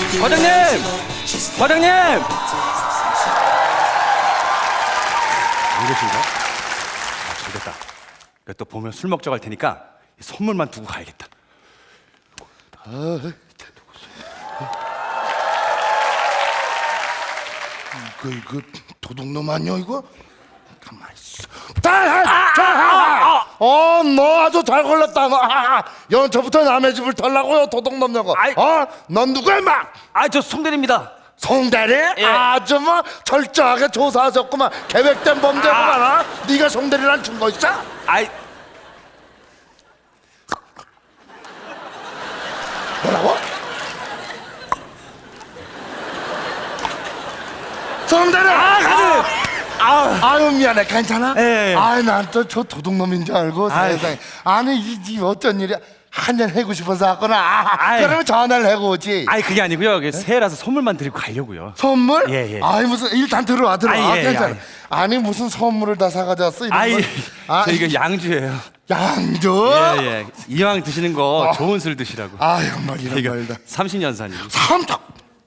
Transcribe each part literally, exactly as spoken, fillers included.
과장님! 과장님! 안 계신가? 아, 잘됐다. 또 보면 술 먹자고 할 테니까 선물만 두고 가야겠다. 아, 이거 이거 도둑놈 아니야 이거? 가만 있어. 어, 너 아주 잘 걸렸다. 너. 아, 연초부터 남의 집을 털라고요, 도둑놈 녀고. 아이. 어, 넌 누구야, 막? 아, 저 송대리입니다. 송대리? 예. 아주 뭐 철저하게 조사하셨구만. 계획된 범죄구만. 아. 네가 송대리란 증거 있어? 아이, 뭐라고? 송대리! 아, 가지! 아, 아유 미안해, 괜찮아? 예, 예. 아이 난 또 저 도둑놈인 줄 알고 아이. 세상에. 아니 이, 이 어쩐 일이야? 한잔 해고 싶어서 왔구나. 아, 아이. 그러면 전화를 해고 오지. 아이 그게 아니고요. 이게 새해라서 선물만 드리고 가려고요. 선물? 예, 예. 아이 무슨 일단 들어와 들어와. 아이, 예, 괜찮아. 아이. 아니 무슨 선물을 다 사가져 왔어 이런 아이, 걸? 아, 저 이거 양주예요. 양주? 예, 예. 이왕 드시는 거 어. 좋은 술 드시라고. 아유 말 이런 이거 말다. 삼십 년 산이고. 삼탁.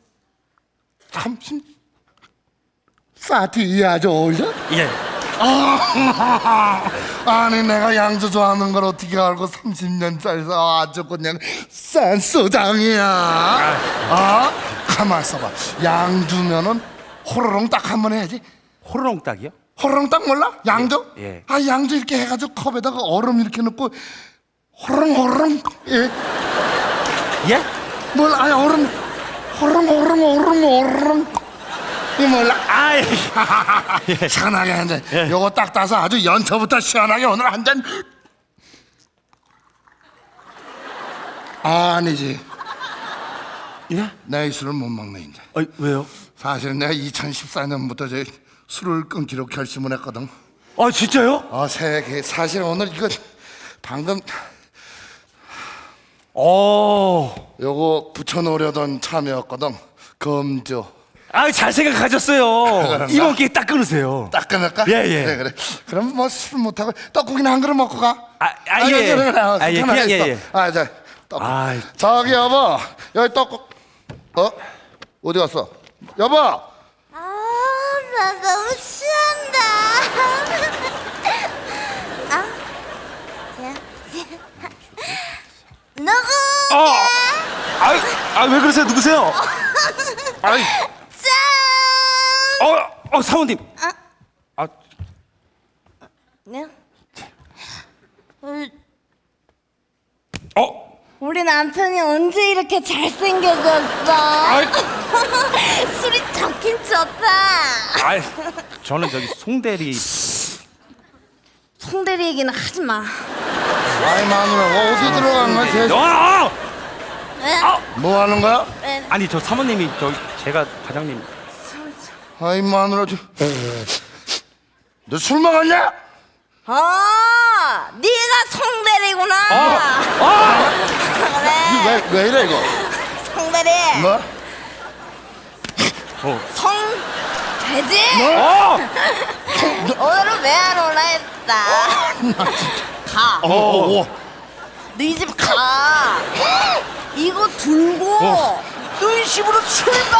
삼십. 사티 아주 어울려? 예. 아, 아니 내가 양주 좋아하는 걸 어떻게 알고 삼십 년짜리서 아주 그냥 싼 소장이야. 아, 가만 있어봐. 양주면은 호로롱 딱 한 번 해야지. 호로록 딱이요? 호로롱 딱 몰라? 양주? 예, 예. 아, 양주 이렇게 해가지고 컵에다가 얼음 이렇게 넣고 호로롱 호로롱. 예? 예? 뭘? 아니 얼음 호로롱 호로롱 호로롱 호로롱. 이 몰라? 아이. 시원하게 한 잔. 요거 딱 따서 아주 연초부터 시원하게 오늘 한 잔. 아니지. 예? 내 이 술을 못 먹네 이제. 어, 왜요? 사실 내가 이천십사 년부터 저 술을 끊기로 결심을 했거든. 아, 진짜요? 어, 새해 사실 오늘 이거 방금 어. 요거 붙여놓으려던 참이었거든. 검주. 아, 잘 생각하셨어요. 그런가? 이번 기회에 딱 끊으세요. 딱 끊을까? 예, 예. 그래 그래. 그럼 뭐 술 못하고 떡국이나 한 그릇 먹고 가. 아, 아, 예, 예. 그래, 그래. 어, 아, 예, 편하게 그냥, 예, 있어. 예. 아, 자, 떡국. 아이. 저기 여보, 여기 떡국. 어? 어디 갔어? 여보. 아, 나 너무 취한다. 아, 야, 누구? 어. 아, 아, 왜 그러세요? 누구세요? 아이. 짠! 어, 어, 사모님. 아, 네? 우리, 어. 우리 남편이 언제 이렇게 잘생겨졌어? 술이 좋긴 좋다. 아, 저는 저기 송대리. 송대리 얘기는 하지 마. 아이 마누라, 어디 들어간 거야? 쟤? 어, 어! 왜? 뭐 하는 거야? 왜? 아니, 저 사모님이 저 제가 과장님. 아이 마누라, 저. 너 술 먹었냐? 어, 네가 송대리구나. 아! 그래. 왜, 왜 이래 이거? 송대리. 뭐? 어. 송돼지. 어! 오늘은 왜 안 오나 했다. 가. 어, 어, 어. 네 집 가. 이거 들고 어. 너희 집으로 출발.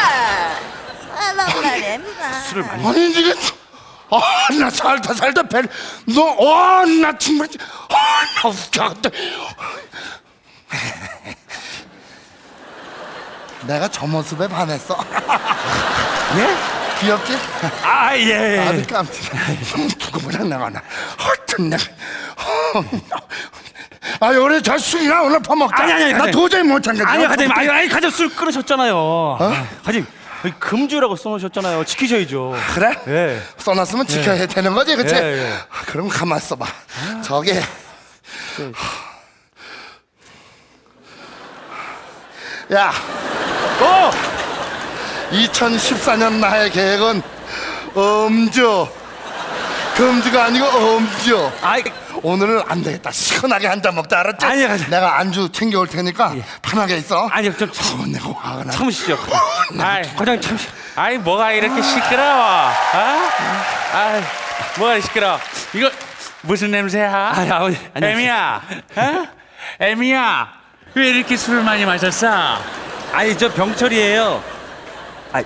하란 말이야. 술을 많이. 아니 지금 아 나 살다 살다 배너와나 정말 아나 웃겨갔다. 내가 저 모습에 반했어. 예? 귀엽지? 아, 예. 아주 깜짝이야. 누구보다 내가 나 하여튼 내가 아 요래 저 술이나 오늘 퍼먹자. 아니, 아니, 아니, 나 과장님. 도저히 못 참겠어. 아니요, 과장님. 아니, 아니, 과장님 술 끊으셨잖아요. 아, 과장님, 여기 금주라고 써놓으셨잖아요. 지키셔야죠. 그래? 예. 써놨으면 지켜야 되는 거지, 그치? 예, 예. 아, 그럼 가만 있어봐. 저기 야, 어! 이천십사 년 나의 계획은 음주. 금주가 아니고 음주. 아이, 오늘은 안 되겠다. 시원하게 한 잔 먹자, 알았지? 아니요, 아니요. 내가 안주 챙겨올 테니까 편하게 있어. 아니요, 좀 어, 참, 내가 화가 나. 참으시죠. 아이, 과장님 참으시. 아이, 뭐가 이렇게 시끄러워? 아? 아이, 뭐가 시끄러워? 이거 무슨 냄새야? 아, 아버지, 안녕하세요. 애미야, 어? 애미야, 왜 이렇게 술을 많이 마셨어? 아니 저 병철이에요. 아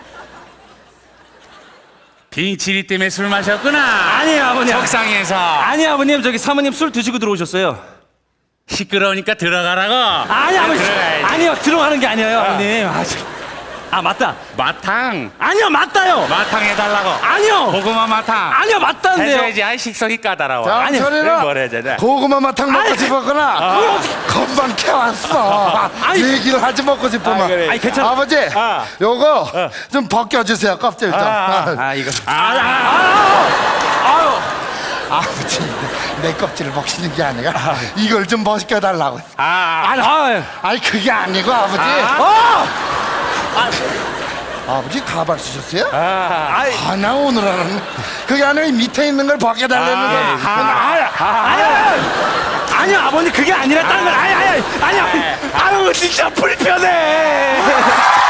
빙치리 때문에 술 마셨구나. 아니에요 아버님. 속상해서. 아니 아버님 저기 사모님 술 드시고 들어오셨어요. 시끄러우니까 들어가라고. 아니 아버님. 들어가야지. 아니요 들어가는 게 아니에요 아버님. 아, 저, 아 맞다. 마탕. 아니요 맞다요. 마탕 해달라고. 아니요. 고구마 마탕. 아니요 맞다는데요. 해줘야지. 아이 식성이 까다로워. 아니, 장철이는 뭘 해야 되나? 고구마 마탕 먹고 아니, 싶었구나. 그걸 어떻게- 금방 캐왔어. 아니. 얘기를 하지 먹고 싶으면. 아, 그래. 아니, 괜찮아. 아버지, 아. 요거 좀 벗겨주세요. 껍질 좀. 아, 아 이거. 아, 아, 아, 아유. 아버지, 내, 내 껍질을 벗기는 게 아니라 이걸 좀 벗겨달라고. 아, 아니 아유. 아니 그게 아니고 아버지. 아. 아버지 가발 쓰셨어요? 아, 아이. 아, 나 오늘 하는 그게 아니라 이 밑에 있는 걸 벗겨달라는 아, 거. 예. 아니, 아니, 아니, 아버님 그게 아니라 다른 건 아니, 아니, 아니, 아니, 아유, 진짜 불편해.